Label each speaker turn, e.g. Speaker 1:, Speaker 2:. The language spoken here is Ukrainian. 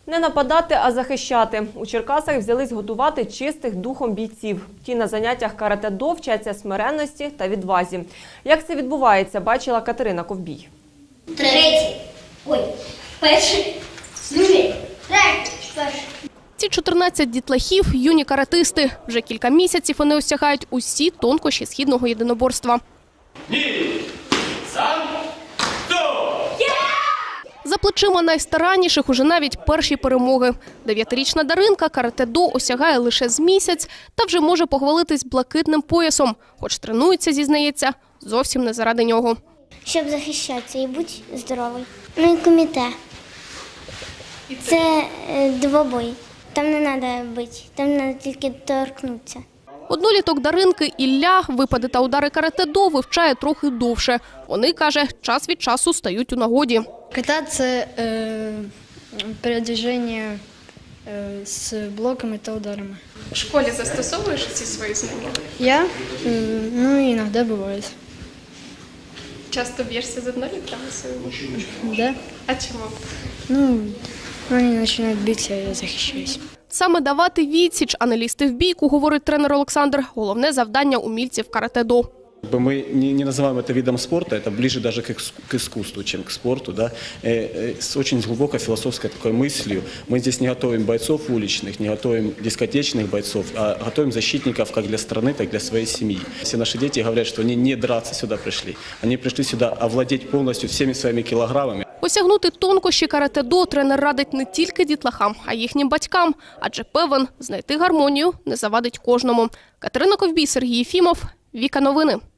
Speaker 1: Не нападати, а захищати. У Черкасах взялись готувати чистих духом бійців. Ті на заняттях карате-до вчаться смиренності та відвазі. Як це відбувається, бачила Катерина Ковбій.
Speaker 2: Перший, другий, третій, перший.
Speaker 3: Ці 14 дітлахів – юні каратисти. Вже кілька місяців вони осягають усі тонкощі східного єдиноборства. За плечима найстаранніших уже навіть перші перемоги. 9-річна Даринка карате-до осягає лише з місяць та вже може похвалитись блакитним поясом. Хоч тренується, зізнається, зовсім не заради нього.
Speaker 2: Щоб захищатися і бути здоровий. Ну і коміте. Це двобой. Там не треба бити, там треба тільки торкнутися.
Speaker 3: Одноліток Даринки Ілля випади та удари карате-до вивчає трохи довше. Вони, каже, час від часу стають у нагоді.
Speaker 4: Ката – це передвіження з блоками та ударами.
Speaker 5: В школі застосовуєш ці свої знання?
Speaker 4: Я? Ну, іноді буває.
Speaker 5: Часто б'єшся з однолітками своїми?
Speaker 4: Да?
Speaker 5: А чому?
Speaker 4: Ну, вони починають битися, я захищаюсь.
Speaker 3: Саме давати відсіч, а не лізти в бійку, говорить тренер Олександр, головне завдання умільців карате-до.
Speaker 6: Мы не называем это видом спорта, это ближе даже к искусству, чем к спорту. Да? С очень глубокой философской такой мыслью. Мы здесь не готовим бойцов уличных, не готовим дискотечных бойцов, а готовим защитников как для страны, так и для своей семьи. Все наши дети говорят, что они не драться сюда пришли. Они пришли сюда овладеть полностью всеми своими килограммами.
Speaker 3: Осягнути тонкощі карате-до тренер радить не тільки дітлахам, а й їхнім батькам. Адже певен, знайти гармонію не завадить кожному. Катерина Ковбій, Сергій Єфімов, Віка Новини.